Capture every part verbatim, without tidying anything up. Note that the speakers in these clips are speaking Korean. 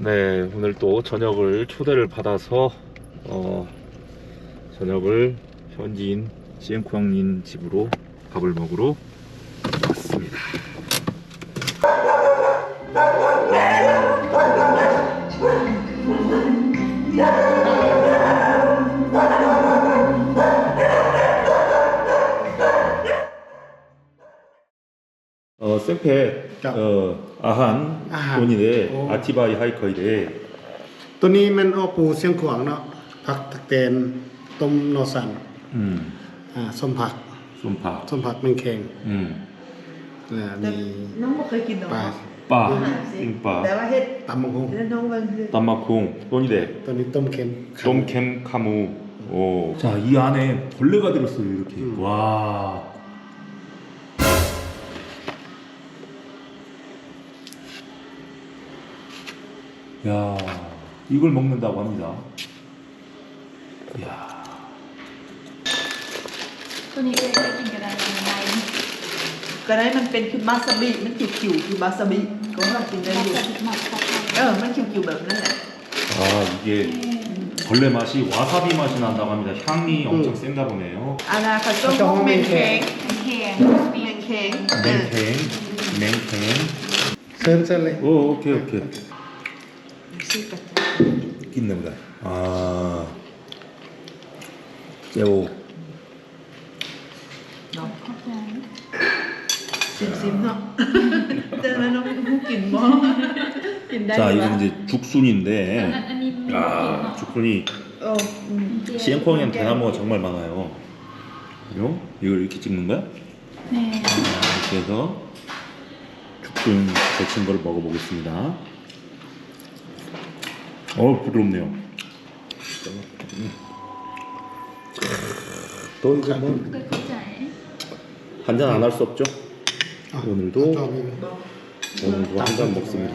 네, 오늘 또 저녁을 초대를 받아서 어, 저녁을 현지인 시엔쿠앙님 집으로 밥을 먹으러 왔습니다. 어, 쌤페 어, 아한 아한. 돈이래 오. 아티바이 하이커이래 ตัวนี้มันออกปูเสียงขวางเนาะผักตะเตนต้มนอสัน 음, อ่าส้มผัก 솜파 ส้มผักแมงแคง 음, อ่าแต่มีน้องบ่เคยกินหรอกปลา 빠, แต่ 띵빠, ว่าเฮ็ดตำมะฮงแล้วน้องเบิ่งคือ 땀마콩 돈이래 ตัวนี้ต้มเค็ม 돔캠 카무. 오. 자, 이 안에 벌레가 들었어요, 이렇게. 음. 와. 야, 이걸 먹는다고 합니다. 야. ตัวนี้เคยกินกันได้ยังไงก็ได้มันเป็นคือวาซาบิมันคิวๆคือวาซาบิก็ว่ากินได้มาอยู่จากหมักผักไทยเออมันคิวๆแบบนั้นแหละ 아, 이게 벌레 맛이 와사비 맛이 난다고 합니다. 향이 엄청 음. 센가 보네요. อาณาคาโต้มเมนแข็งแข็งเมนแข็ง 맹탱, 맹탱. เส้นเส้นเลย 오, 오케이, 오케이. ชื่อกัน 있네 보다. 아. 요. เนาะขอบใจซิมๆเนาะแต่แล้วน้องผู้กินบ่กินได้ 자, ไหม 이건 이제 อัน 죽순인데. อันนี้ไม่ได้กิน 아, 죽순이 โอ้อืม 시앵콩이랑 대나무가 정말 많아요. 그죠? 이걸 이렇게 찍는 거야? แม่ 이렇게 해서 죽순 데친 거를 먹어보겠습니다. 어, 부드럽네요. ต้นกับเคยเข้าใจ 한 잔 안 할 수 없죠? อ่ะ 오늘도 จอมนี่ 오늘도 한 잔 먹습니다.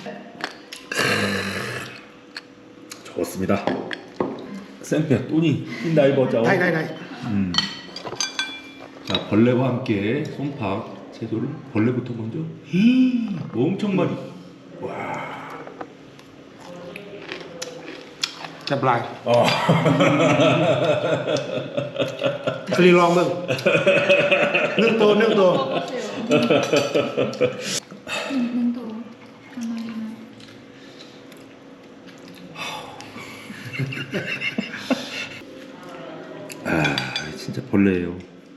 좋습니다. 쌤페 또니 흰날버자. ได้ได้ได้ 음. 자, 벌레와 함께 솜팍 채소를 벌레부터 먼저. 히, 엄청 많이. 와. จะปลาย 어. คลีลองเบิ่งนึ่งตัวนึ่งตัวหนึ่งหนึ่งตัวทำไมนะ 아, 진짜 벌레예요.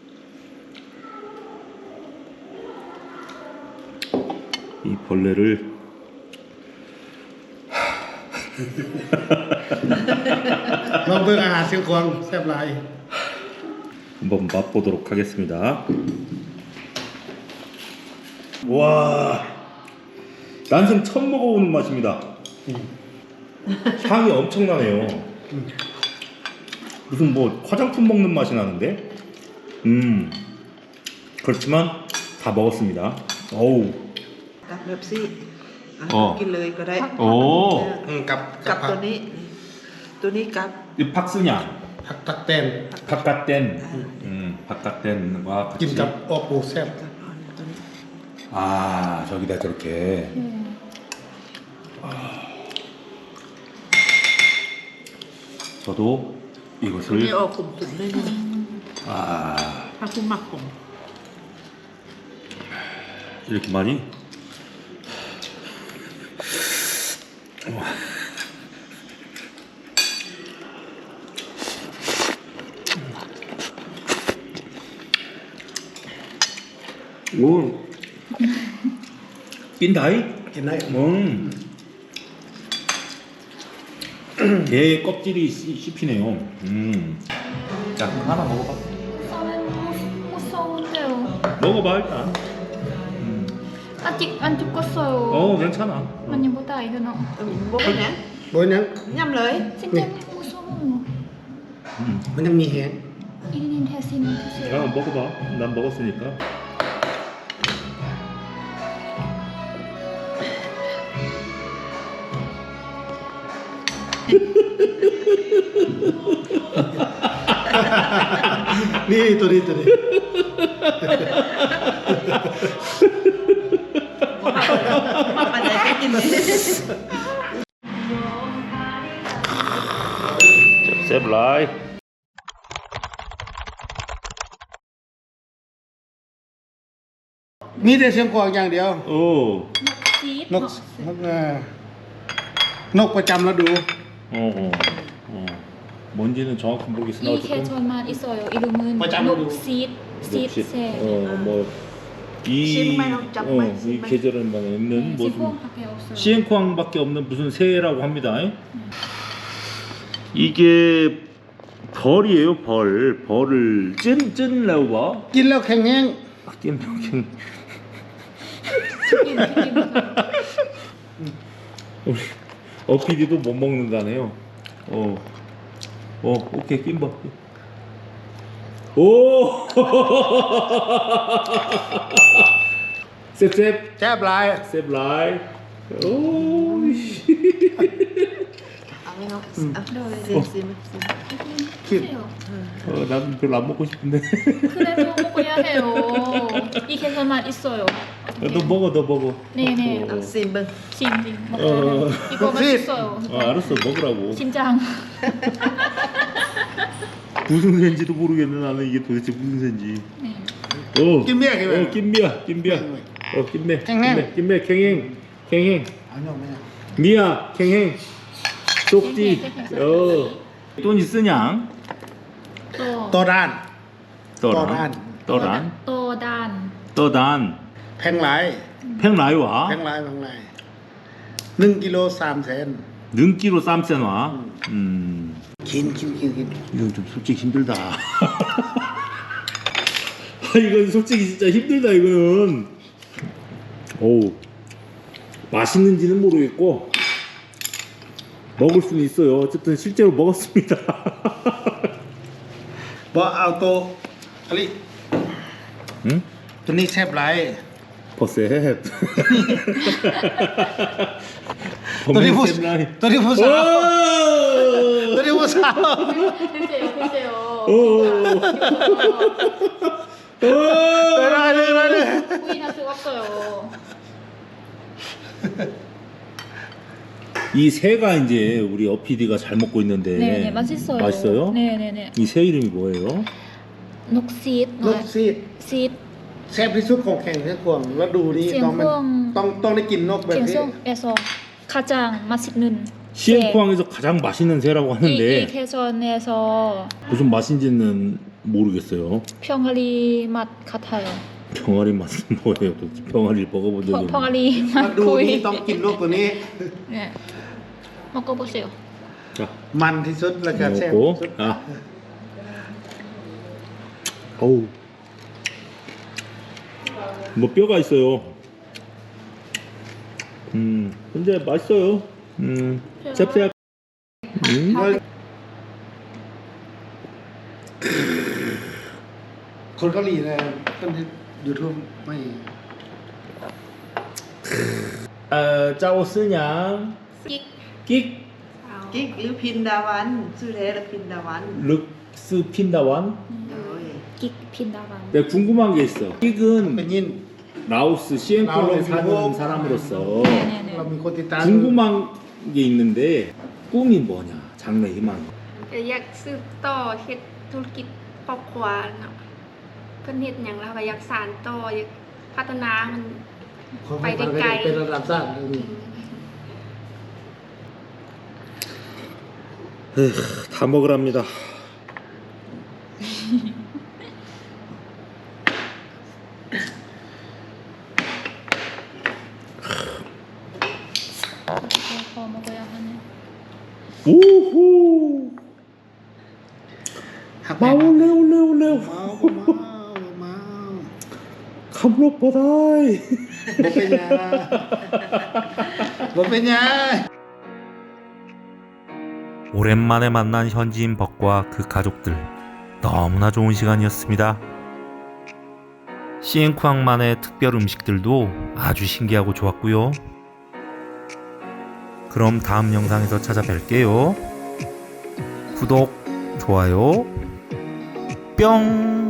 이 벌레를 ลองเบิ่งอาหารเสียงขวางแซ่บหลาย 한번 맛보도록 하겠습니다. 와, 난생 처음 먹어보는 맛입니다. 향이 엄청나네요. 무슨 뭐 화장품 먹는 맛이 나는데, 음, 그렇지만 다 먹었습니다. 어우, กับแบบซี่อ่ะอ๋อกินเลยก็ได้ 오, อืมกับกับผัตัวนี้ ตัวนี้กับ 이 팍스냐, ผักตักแตน 바깥된, 음, 바깥된과 กิน 같이. กับออกปูแซ่บกับอ่อนตัวนี้ 아, 저기다 저렇게. เออ 저도 ตัวนี้ 이것을 ออกกลุ่มสุดเลยนี่ 아, ถ้าคุณหมักกลุ่ม 이렇게 많이. 오, 낀다이? กินได้ 음. 게 껍질이 씹- 씹히네요. 음. 자, 하나 먹어봐. ตอนนั้นมุโซนเดียว 먹어봐 일단. 음. อันจิกอันจุกก็โซ 어, 괜찮아. มันยังบ่ตายด้วยเนาะเออบ่เป็นหยังโดยนั้นย่ำเลยจริงๆมุโซน 음. มันยังมีแหงอีนินเทซินเทซิน 야, 먹어봐. 난 먹었으니까. นี่ตัวนี้ตัวนี้มาปานใดก็กิน 라이. มีแต่เสียงกวางอย่างเดียว 오. ซีดนกนกเอ่อนกประจำฤดู 어, 어. 어. 뭔지는 정확히 모르겠으나 อีเค 어쨌든 ชอนมาอิโซโยอิลูมืนประจำฤดูนกซีดซีด 역시, แซ่ 어, 뭐 이, 신발 잡고 어, 이 신발. 계절에만 있는 ซี 뭐 พวงคาเฟ่ออฟเซอร์ 시엔쿠항밖에 없는 무슨 새라고 합니다. 이게 벌이에요, 벌. 벌을 찐, 찐 레오바. กินแล้วแข็งแห้ง 아, 띠엠병. กินที่กินมาค่ะ 우리 어피디도 못 먹는다네요. 어, 어, 오케이, 낀바. 오! 셉셉, แซ่บหลาย 셉라이. 오, 씨. เอาไหมน้องอืมเอาโดยซิมซิมซิมคิด 어, 난 별로 안 먹고 싶은데. 그래도 먹어야 해요. 이 계산만 있어요. 야, 너 먹어, 너 먹어. 네네. 어, เอาซิมเบิ้ง 징징 어. 먹어요. 이거 맛있어요. 어, 알았어, 먹으라고. 심장. 무슨 새인지도 모르겠네, 나는 이게 도대체 무슨 새인지. 네. 어, 낌비야, 낌비야. 어, 낌비야, 낌비야. 어, 낌매, 캥행. 낌매, 낌매, 캥행, 캥행. เอาหน่อยไหม 미야, 캥행. 쪽지. 캥행, 어. 돈 있으냐? 또 ตัวด้าน 떠란. 떠란. 또단. 떠단. แพงหลาย 팽라이와. แพงหลายแพงหลายหนึ่งกิโลสามแสน 능기로 쌈세놔. 음. กินกินกินกิน 이건 좀 솔직히 힘들다. 아, 이건 솔직히 진짜 힘들다, 이거는. 어우. 맛있는지는 모르겠고, 먹을 수는 있어요. 어쨌든 실제로 먹었습니다. บอกเอาตัวอะไร 응? ตัวนี้แซ่บหลาย 버셋. ตัวนี้ผู้ 범맨 쌤라이. ตัวนี้ผู้สาวตัวนี้ผู้สาว 드세요, 드세요. 오. 오. ได้เลยได้เลย 부인할 수가 없어요. 이 새가 이제 우리 어피디가 잘 먹고 있는데. 네네, 맛있어요. 맛있어요? 네네네. 이 새 이름이 뭐예요? 녹시드. ลูกซีด 시드. แซ่บที่สุดของแข่งเสียงกวางแล้วดูนี่เสียงต้องมันกวางต้องต้องได้กินนกแบบนี้ 갱송에서 가장 맛있는 시엔쿠항에서 가장 맛있는 새라고 이, 이 하는데 개선에서 무슨 맛인지는 모르겠어요. 병아리 맛 같아요. 병아리 맛은 뭐예요? 도대체 병아리를 먹어본 적이 버, 없는데. 병아리 มา 맛 ดูนี่ 거의. ต้องกินนกตัวนี้ 네. 먹어보세요. 자, มันที่สุดแล้วก็แซ่บ 먹고. ที่สุด 아. 어우. 뭐 뼈가 있어요. 음, 근데 맛있어요. 음, 짭짤. 음. คนเกาหลีนะคนที่ยูทูบไม่ 어, 짜오스냥. 끽. 끽. กิ๊กหรือพินดาวันชื่อแท้หรือพินดาวัน 륵스 핀다완. โอ้ย 끽 핀다방. 내가 궁금한 게 있어. เป็ 끽은 นยิน 라오스 시엔쿠항에 라오스 사는 미국. 사람으로서 네네네. เรามีคนติดตาม 궁금한 게 있는데 꿈이 뭐냐? 장래 희망. ก็อยากสืบต่อเฮ็ดธุรกิจครอบครัวเนาะเพิ่นเฮ็ดหยังแล้วก็อยากสานต่ออยากพัฒนามันของไปได้ไกลเป็นระดับชาติเลย 다 먹으랍니다. 더 먹어야 하네. 오호. หักแพง 마올레 올레 올레. เมาเมาเมา 감록 바다이. บ่เป็นหยังบ่เป็นหยัง 오랜만에 만난 현지인 벅과 그 가족들 너무나 좋은 시간이었습니다. 시엔쿠항만의 특별 음식들도 아주 신기하고 좋았고요. 그럼 다음 영상에서 찾아뵐게요. 구독, 좋아요, 뿅!